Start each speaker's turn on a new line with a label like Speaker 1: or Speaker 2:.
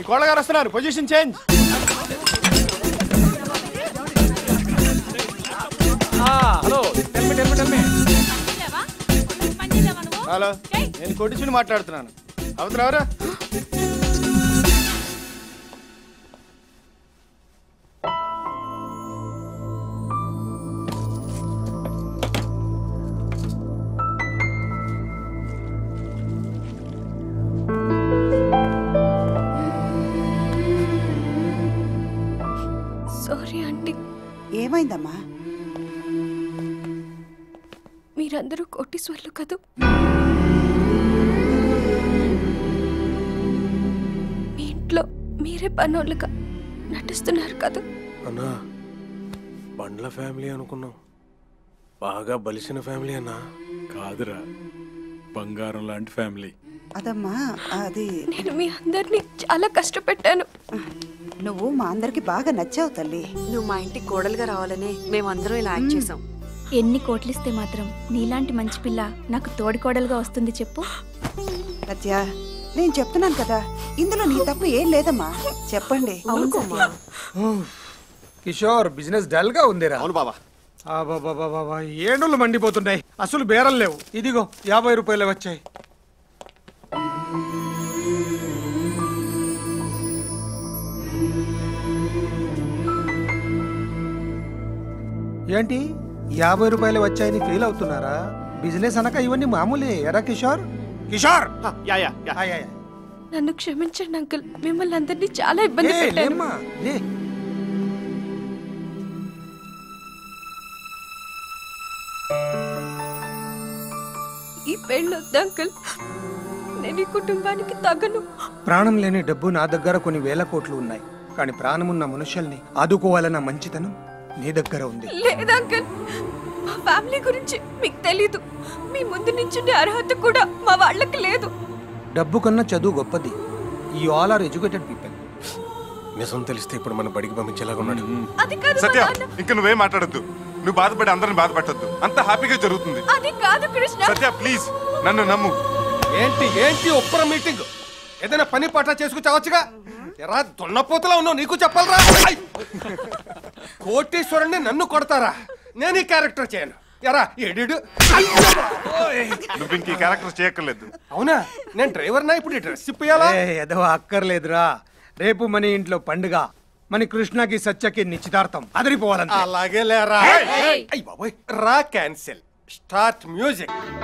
Speaker 1: ఈ కోళ్ళ గారు వస్తున్నారు, పొజిషన్ చేంజ్. హలో హలో, నేను కొట్టించుని మాట్లాడుతున్నాను. అవుతున్నావరా?
Speaker 2: Sorry aunty.
Speaker 3: ఏమైందమ్మా?
Speaker 2: మీరందరూ కోటీశ్వర్లు కదూ. మీ ఇంట్లో మీరే పనోళ్ళుగా నటిస్తున్నారు కదా.
Speaker 4: అన్నా, బండ్ల ఫ్యామిలీ అనుకున్నాం, బాగా బలిసిన ఫ్యామిలీ అన్నా.
Speaker 5: కాదురా, బంగారం లాంటి ఫ్యామిలీ.
Speaker 3: అదమ్మా అది
Speaker 2: నేను మీ అందరినీ చాలా కష్టపెట్టాను.
Speaker 3: నువ్వు మా అందరికి బాగా నచ్చావు తల్లి.
Speaker 6: నువ్వు మా ఇంటికి కోడలుగా రావాలనే మేమందరం ఇలా యాక్ట్ చేసాం.
Speaker 7: ఎన్ని కోట్లిస్తే మాత్రం నీలాంటి మంచి పిల్ల నాకు తోడికోడలుగా వస్తుంది చెప్పు.
Speaker 3: సత్య, నేను చెప్తున్నాను కదా, ఇందులో నీ తప్పు ఏం లేదమ్మా. చెప్పండి.
Speaker 8: కిషోర్, బిజినెస్ డల్ గా ఉందిరా.
Speaker 1: అవును బాబా.
Speaker 8: ఏడులు మండిపోతున్నాయి, అసలు బేరం లేవు. ఇదిగో 50 రూపాయలు వచ్చాయి. ఏంటి 50 రూపాయలు వచ్చాయని ఫీల్ అవుతున్నారా? బిజినెస్ అనక ఇవన్నీ మామూలే. ఎరా కిషోర్? కిషోర్,
Speaker 2: నన్ను క్షమించండి అంకుల్, మిమ్మల్ని అందరినీ చాలా ఇబ్బంది పెట్టాను. ఈ పెళ్ళి వద్దు అంకుల్, నేను ఈ కుటుంబానికి తగను.
Speaker 8: ప్రాణం లేని డబ్బు నా దగ్గర కొన్ని వేల కోట్లు ఉన్నాయి, కానీ ప్రాణమున్న మనుషుల్ని ఆదుకోవాలన్న మంచితనం నీ దగ్గర ఉంది.
Speaker 2: లేదు అంకుల్, మా ఫ్యామిలీ గురించి మీకు తెలీదు. మీ ముందు నించుండే అర్హత కూడా మా వాళ్ళకి లేదు.
Speaker 8: డబ్బు కన్నా చదువు గొప్పది. You all are educated people.
Speaker 4: నిజం తెలిస్తే ఇప్పుడు మన బడికి పంపించేలాగా ఉన్నాడు.
Speaker 2: అది కాదు
Speaker 9: సత్య, ఇంకా నువ్వేం మాట్లాడద్దు. నువ్వు బాధపడి అందరిని బాధపెట్టద్దు. అంత హ్యాపీగా జరుగుతుంది.
Speaker 2: అది కాదు కృష్ణ.
Speaker 9: సత్య ప్లీజ్, నన్ను నమ్ము.
Speaker 8: ఏంటి ఒప్పర మీటింగ్? ఏదైనా పని పాట చేసుకు చావచ్చుగా. ఎరా దున్నపోతలా ఉన్నావు, నీకు చెప్పాలరా? కోటీశ్వరుణ్ణి నన్ను కొడతారా? నేను ఈ క్యారెక్టర్ చేయను. ఎరా ఎడు.
Speaker 9: నువ్వు ఇంక ఈ క్యారెక్టర్ చేయక్కర్లేదు.
Speaker 8: అవునా? నేను డ్రైవర్నా? ఇప్పుడు ఈ డ్రెస్ ఇప్పయాలా? ఏదో అక్కర్లేదురా. రేపు మన ఇంట్లో పండుగ. మన కృష్ణకి సత్యకి నిశ్చితార్థం. అదిరిపోవాలంటే. అలాగే లేరా? రా క్యాన్సిల్. Start music.